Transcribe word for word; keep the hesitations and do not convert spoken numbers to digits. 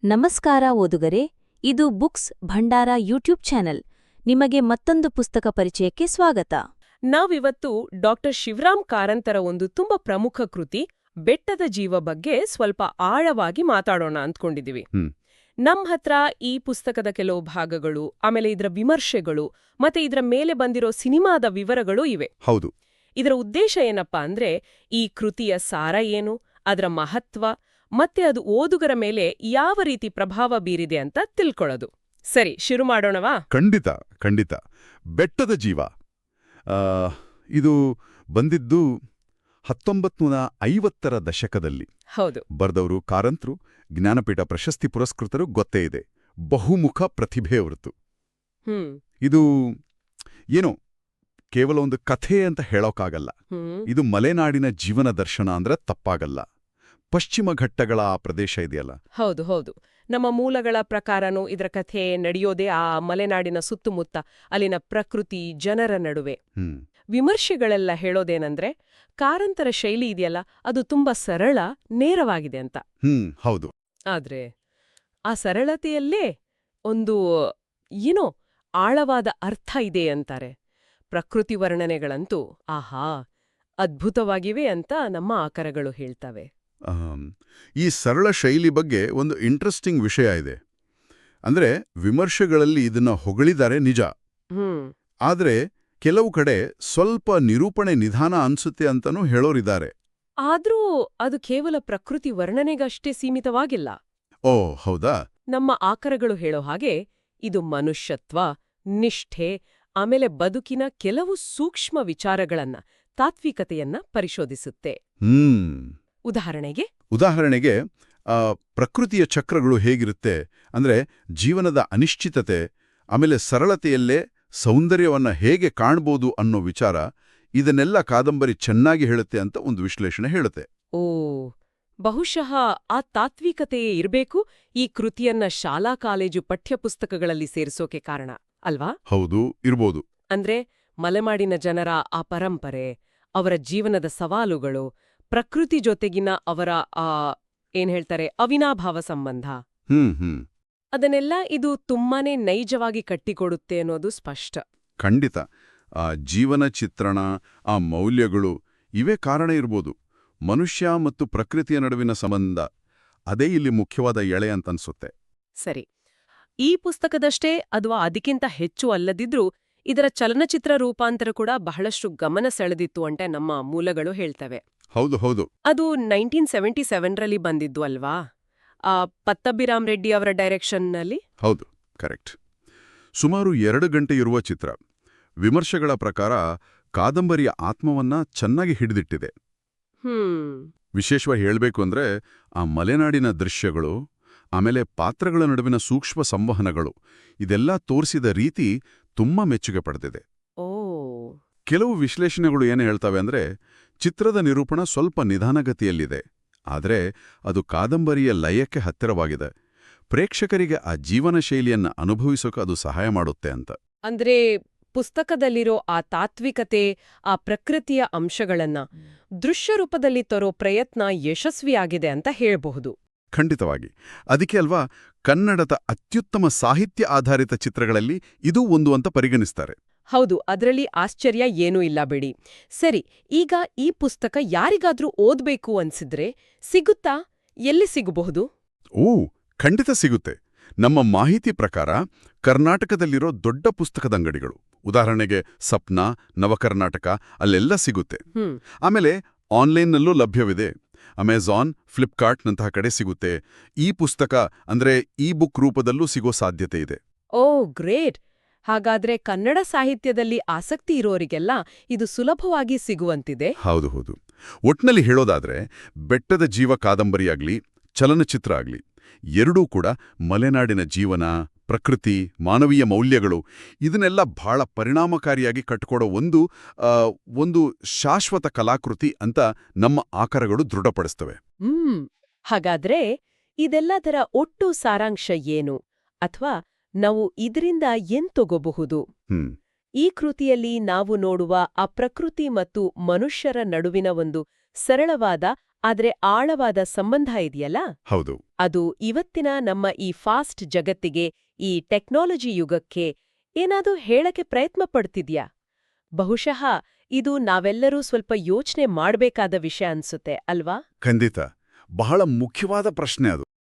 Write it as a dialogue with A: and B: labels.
A: ನಮಸ್ಕಾರ ಓದುಗರೆ, ಇದು ಬುಕ್ಸ್ ಭಂಡಾರ YouTube channel. ನಿಮಗೆ ಮತ್ತೊಂದು ಪುಸ್ತಕ ಪರಿಚಯಕ್ಕೆ ಸ್ವಾಗತ.
B: ನಾವಿವತ್ತು ಡಾಕ್ಟರ್ ಶಿವರಾಮ್ ಕಾರಂತರ ಒಂದು ತುಂಬಾ ಪ್ರಮುಖ ಕೃತಿ ಬೆಟ್ಟದ ಜೀವ ಬಗ್ಗೆ ಸ್ವಲ್ಪ ಆಳವಾಗಿ ಮಾತಾಡೋಣ ಅಂದ್ಕೊಂಡಿದೀವಿ. ನಮ್ ಹತ್ರ ಈ ಪುಸ್ತಕದ ಕೆಲವು ಭಾಗಗಳು, ಆಮೇಲೆ ಇದರ ವಿಮರ್ಶೆಗಳು, ಮತ್ತೆ ಇದರ ಮೇಲೆ ಬಂದಿರೋ ಸಿನಿಮಾದ ವಿವರಗಳು ಇವೆ.
C: ಹೌದು.
B: ಇದರ ಉದ್ದೇಶ ಏನಪ್ಪಾ ಅಂದ್ರೆ, ಈ ಕೃತಿಯ ಸಾರ ಏನು, ಅದರ ಮಹತ್ವ, ಮತ್ತೆ ಅದು ಓದುಗರ ಮೇಲೆ ಯಾವ ರೀತಿ ಪ್ರಭಾವ ಬೀರಿದೆ ಅಂತ ತಿಳ್ಕೊಳ್ಳೋದು. ಸರಿ, ಶುರು ಮಾಡೋಣವಾ?
C: ಖಂಡಿತ ಖಂಡಿತ. ಬೆಟ್ಟದ ಜೀವ ಆ, ಇದು ಬಂದಿದ್ದು ಹತ್ತೊಂಬತ್ತು ನೂರ ಐವತ್ತರ ದಶಕದಲ್ಲಿ.
B: ಹೌದು.
C: ಬರ್ದವರು ಕಾರಂತರು, ಜ್ಞಾನಪೀಠ ಪ್ರಶಸ್ತಿ ಪುರಸ್ಕೃತರು ಗೊತ್ತೇ ಇದೆ. ಬಹುಮುಖ ಪ್ರತಿಭೆ ಹೊರತು.
B: ಹ್ಮ್
C: ಇದು ಏನೋ ಕೇವಲ ಒಂದು ಕಥೆ ಅಂತ ಹೇಳೋಕ್ಕಾಗಲ್ಲ.
B: ಹ್ಮ್
C: ಇದು ಮಲೆನಾಡಿನ ಜೀವನ ದರ್ಶನ ಅಂದ್ರೆ ತಪ್ಪಾಗಲ್ಲ. ಪಶ್ಚಿಮ ಘಟ್ಟಗಳ ಆ ಪ್ರದೇಶ ಇದೆಯಲ್ಲ.
B: ಹೌದು ಹೌದು ನಮ್ಮ ಮೂಲಗಳ ಪ್ರಕಾರನೂ ಇದರ ಕಥೆ ನಡೆಯೋದೇ ಆ ಮಲೆನಾಡಿನ ಸುತ್ತಮುತ್ತ, ಅಲ್ಲಿನ ಪ್ರಕೃತಿ, ಜನರ ನಡುವೆ.
C: ಹ್ಮ್
B: ವಿಮರ್ಶೆಗಳೆಲ್ಲ ಹೇಳೋದೇನಂದ್ರೆ, ಕಾರಂತರ ಶೈಲಿ ಇದೆಯಲ್ಲ, ಅದು ತುಂಬಾ ಸರಳ, ನೇರವಾಗಿದೆ ಅಂತ.
C: ಹ್ಮ್ ಹೌದು.
B: ಆದ್ರೆ ಆ ಸರಳತೆಯಲ್ಲೇ ಒಂದು ಏನೋ ಆಳವಾದ ಅರ್ಥ ಇದೆ ಅಂತಾರೆ. ಪ್ರಕೃತಿ ವರ್ಣನೆಗಳಂತೂ ಆಹಾ ಅದ್ಭುತವಾಗಿವೆ ಅಂತ ನಮ್ಮ ಆಕರಗಳು ಹೇಳ್ತವೆ.
C: ಆಮ್, ಈ ಸರಳ ಶೈಲಿ ಬಗ್ಗೆ ಒಂದು ಇಂಟ್ರೆಸ್ಟಿಂಗ್ ವಿಷಯ ಇದೆ. ಅಂದ್ರೆ ವಿಮರ್ಶೆಗಳಲ್ಲಿ ಇದನ್ನ ಹೊಗಳಿದ್ದಾರೆ ನಿಜ.
B: ಹ್ಮ್
C: ಆದ್ರೆ ಕೆಲವು ಕಡೆ ಸ್ವಲ್ಪ ನಿರೂಪಣೆ ನಿಧಾನ ಅನ್ಸುತ್ತೆ ಅಂತನೂ ಹೇಳೋರಿದ್ದಾರೆ.
B: ಆದ್ರೂ ಅದು ಕೇವಲ ಪ್ರಕೃತಿ ವರ್ಣನೆಗಷ್ಟೇ ಸೀಮಿತವಾಗಿಲ್ಲ.
C: ಓ ಹೌದಾ?
B: ನಮ್ಮ ಆಕರಗಳು ಹೇಳೋ ಹಾಗೆ ಇದು ಮನುಷ್ಯತ್ವ, ನಿಷ್ಠೆ, ಆಮೇಲೆ ಬದುಕಿನ ಕೆಲವು ಸೂಕ್ಷ್ಮ ವಿಚಾರಗಳನ್ನ, ತಾತ್ವಿಕತೆಯನ್ನ ಪರಿಶೋಧಿಸುತ್ತೆ.
C: ಹ್ಮ್
B: ಉದಾಹರಣೆಗೆ
C: ಉದಾಹರಣೆಗೆ ಆ, ಪ್ರಕೃತಿಯ ಚಕ್ರಗಳು ಹೇಗಿರುತ್ತೆ ಅಂದ್ರೆ, ಜೀವನದ ಅನಿಶ್ಚಿತತೆ, ಆಮೇಲೆ ಸರಳತೆಯಲ್ಲೇ ಸೌಂದರ್ಯವನ್ನ ಹೇಗೆ ಕಾಣ್ಬೋದು ಅನ್ನೋ ವಿಚಾರ, ಇದನ್ನೆಲ್ಲ ಕಾದಂಬರಿ ಚೆನ್ನಾಗಿ ಹೇಳುತ್ತೆ ಅಂತ ಒಂದು ವಿಶ್ಲೇಷಣೆ ಹೇಳುತ್ತೆ.
B: ಓ ಬಹುಶಃ ಆ ತಾತ್ವಿಕತೆಯೇ ಇರ್ಬೇಕು ಈ ಕೃತಿಯನ್ನ ಶಾಲಾ ಕಾಲೇಜು ಪಠ್ಯಪುಸ್ತಕಗಳಲ್ಲಿ ಸೇರಿಸೋಕೆ ಕಾರಣ ಅಲ್ವಾ?
C: ಹೌದು, ಇರ್ಬೋದು.
B: ಅಂದ್ರೆ ಮಲೆನಾಡಿನ ಜನರ ಆ ಪರಂಪರೆ, ಅವರ ಜೀವನದ ಸವಾಲುಗಳು, ಪ್ರಕೃತಿ ಜೊತೆಗಿನ ಅವರ ಆ ಏನ್ ಹೇಳ್ತಾರೆ ಅವಿನಾಭಾವ ಸಂಬಂಧ,
C: ಹ್ಮ್ ಹ್ಮ್
B: ಅದನ್ನೆಲ್ಲ ಇದು ತುಂಬಾನೇ ನೈಜವಾಗಿ ಕಟ್ಟಿಕೊಡುತ್ತೆ ಅನ್ನೋದು ಸ್ಪಷ್ಟ.
C: ಖಂಡಿತ. ಆ ಜೀವನ ಚಿತ್ರಣ, ಆ ಮೌಲ್ಯಗಳು, ಇವೇ ಕಾರಣ ಇರ್ಬೋದು. ಮನುಷ್ಯ ಮತ್ತು ಪ್ರಕೃತಿಯ ನಡುವಿನ ಸಂಬಂಧ, ಅದೇ ಇಲ್ಲಿ ಮುಖ್ಯವಾದ ಎಳೆ ಅಂತನ್ಸುತ್ತೆ.
B: ಸರಿ, ಈ ಪುಸ್ತಕದಷ್ಟೇ ಅಥವಾ ಅದಕ್ಕಿಂತ ಹೆಚ್ಚು ಅಲ್ಲದಿದ್ರೂ ಇದರ ಚಲನಚಿತ್ರ ರೂಪಾಂತರ ಕೂಡ ಬಹಳಷ್ಟು ಗಮನ ಸೆಳೆದಿತ್ತು ಅಂತ ನಮ್ಮ ಮೂಲಗಳು ಹೇಳ್ತವೆ.
C: ಹೌದು ಹೌದು.
B: ಅದು ನೈನ್ಟೀನ್ ಸೆವೆಂಟಿ ಸೆವೆನ್ರಲ್ಲಿ ಬಂದಿದ್ದು ಅಲ್ವಾ? ಆ ಪತ್ತಭಿರಾಮ್ ರೆಡ್ಡಿ ಅವರ ಡೈರೆಕ್ಷನ್ನಲ್ಲಿ.
C: ಹೌದು, ಕರೆಕ್ಟ್. ಸುಮಾರು ಎರಡು ಗಂಟೆ ಇರುವ ಚಿತ್ರ. ವಿಮರ್ಶೆಗಳ ಪ್ರಕಾರ ಕಾದಂಬರಿಯ ಆತ್ಮವನ್ನ ಚೆನ್ನಾಗಿ ಹಿಡಿದಿಟ್ಟಿದೆ.
B: ಹ್ಮ್
C: ವಿಶೇಷವಾಗಿ ಹೇಳಬೇಕು ಅಂದ್ರೆ, ಆ ಮಲೆನಾಡಿನ ದೃಶ್ಯಗಳು, ಆಮೇಲೆ ಪಾತ್ರಗಳ ನಡುವಿನ ಸೂಕ್ಷ್ಮ ಸಂವಹನಗಳು, ಇದೆಲ್ಲ ತೋರಿಸಿದ ರೀತಿ ತುಂಬಾ ಮೆಚ್ಚುಗೆ ಪಡೆದಿದೆ.
B: ಓ
C: ಕೆಲವು ವಿಶ್ಲೇಷಣೆಗಳು ಏನು ಹೇಳ್ತವೆ ಅಂದ್ರೆ, ಚಿತ್ರದ ನಿರೂಪಣ ಸ್ವಲ್ಪ ನಿಧಾನಗತಿಯಲ್ಲಿದೆ, ಆದರೆ ಅದು ಕಾದಂಬರಿಯ ಲಯಕ್ಕೆ ಹತ್ತಿರವಾಗಿದೆ. ಪ್ರೇಕ್ಷಕರಿಗೆ ಆ ಜೀವನ ಶೈಲಿಯನ್ನ ಅನುಭವಿಸೋಕೆ ಅದು ಸಹಾಯ ಮಾಡುತ್ತೆ ಅಂತ.
B: ಅಂದ್ರೆ ಪುಸ್ತಕದಲ್ಲಿರೋ ಆ ತಾತ್ವಿಕತೆ, ಆ ಪ್ರಕೃತಿಯ ಅಂಶಗಳನ್ನ ದೃಶ್ಯ ರೂಪದಲ್ಲಿ ತರೋ ಪ್ರಯತ್ನ ಯಶಸ್ವಿಯಾಗಿದೆ ಅಂತ ಹೇಳಬಹುದು.
C: ಖಂಡಿತವಾಗಿ. ಅದಕ್ಕೆ ಅಲ್ವಾ ಕನ್ನಡದ ಅತ್ಯುತ್ತಮ ಸಾಹಿತ್ಯ ಆಧಾರಿತ ಚಿತ್ರಗಳಲ್ಲಿ ಇದೂ ಒಂದು ಅಂತ ಪರಿಗಣಿಸ್ತಾರೆ.
B: ಹೌದು, ಅದರಲ್ಲಿ ಆಶ್ಚರ್ಯ ಏನೂ ಇಲ್ಲ ಬಿಡಿ. ಸರಿ, ಈಗ ಈ ಪುಸ್ತಕ ಯಾರಿಗಾದ್ರೂ ಓದ್ಬೇಕು ಅನ್ಸಿದ್ರೆ ಸಿಗುತ್ತಾ? ಎಲ್ಲಿ ಸಿಗಬಹುದು?
C: ಓ ಖಂಡಿತ ಸಿಗುತ್ತೆ. ನಮ್ಮ ಮಾಹಿತಿ ಪ್ರಕಾರ ಕರ್ನಾಟಕದಲ್ಲಿರೋ ದೊಡ್ಡ ಪುಸ್ತಕದ ಅಂಗಡಿಗಳು, ಉದಾಹರಣೆಗೆ ಸಪ್ನಾ, ನವಕರ್ನಾಟಕ, ಅಲ್ಲೆಲ್ಲ ಸಿಗುತ್ತೆ.
B: ಹ್ಮ್
C: ಆಮೇಲೆ ಆನ್ಲೈನ್ನಲ್ಲೂ ಲಭ್ಯವಿದೆ. ಅಮೆಜಾನ್, ಫ್ಲಿಪ್ಕಾರ್ಟ್ನಂತಹ ಕಡೆ ಸಿಗುತ್ತೆ. ಈ ಪುಸ್ತಕ ಅಂದ್ರೆ ಇ ಬುಕ್ ರೂಪದಲ್ಲೂ ಸಿಗೋ ಸಾಧ್ಯತೆ ಇದೆ.
B: Oh great! ಹಾಗಾದ್ರೆ ಕನ್ನಡ ಸಾಹಿತ್ಯದಲ್ಲಿ ಆಸಕ್ತಿ ಇರೋರಿಗೆಲ್ಲ ಇದು ಸುಲಭವಾಗಿ ಸಿಗುವಂತಿದೆ.
C: ಹೌದು ಹೌದು. ಒಟ್ನಲ್ಲಿ ಹೇಳೋದಾದ್ರೆ, ಬೆಟ್ಟದ ಜೀವ ಕಾದಂಬರಿಯಾಗ್ಲಿ, ಚಲನಚಿತ್ರ ಆಗ್ಲಿ, ಎರಡೂ ಕೂಡ ಮಲೆನಾಡಿನ ಜೀವನ, ಪ್ರಕೃತಿ, ಮಾನವೀಯ ಮೌಲ್ಯಗಳು, ಇದನ್ನೆಲ್ಲ ಬಹಳ ಪರಿಣಾಮಕಾರಿಯಾಗಿ ಕಟ್ಕೊಡೋ ಒಂದು ಆ, ಒಂದು ಶಾಶ್ವತ ಕಲಾಕೃತಿ ಅಂತ ನಮ್ಮ ಆಕರಗಳು ದೃಢಪಡಿಸ್ತವೆ.
B: ಹ್ಮ್ ಹಾಗಾದ್ರೆ ಇದೆಲ್ಲದರ ಒಟ್ಟು ಸಾರಾಂಶ ಏನು, ಅಥವಾ ನಾವು ಇದರಿಂದ ಏನ್ ತಗೋಬಹುದು?
C: ಹ್ಮ್
B: ಈ ಕೃತಿಯಲ್ಲಿ ನಾವು ನೋಡುವ ಆ ಪ್ರಕೃತಿ ಮತ್ತು ಮನುಷ್ಯರ ನಡುವಿನ ಒಂದು ಸರಳವಾದ ಆದ್ರೆ ಆಳವಾದ ಸಂಬಂಧ ಇದೆಯಲ್ಲ
C: ಹೌದು.
B: ಅದು ಇವತ್ತಿನ ನಮ್ಮ ಈ ಫಾಸ್ಟ್ ಜಗತ್ತಿಗೆ, ಈ ಟೆಕ್ನಾಲಜಿ ಯುಗಕ್ಕೆ ಏನಾದ್ರೂ ಹೇಳಕ್ಕೆ ಪ್ರಯತ್ನ ಪಡ್ತಿದ್ಯಾ? ಬಹುಶಃ ಇದು ನಾವೆಲ್ಲರೂ ಸ್ವಲ್ಪ ಯೋಚನೆ ಮಾಡ್ಬೇಕಾದ ವಿಷಯ ಅನ್ಸುತ್ತೆ ಅಲ್ವಾ?
C: ಖಂಡಿತ. ಬಹಳ ಮುಖ್ಯವಾದ ಪ್ರಶ್ನೆ ಅದು.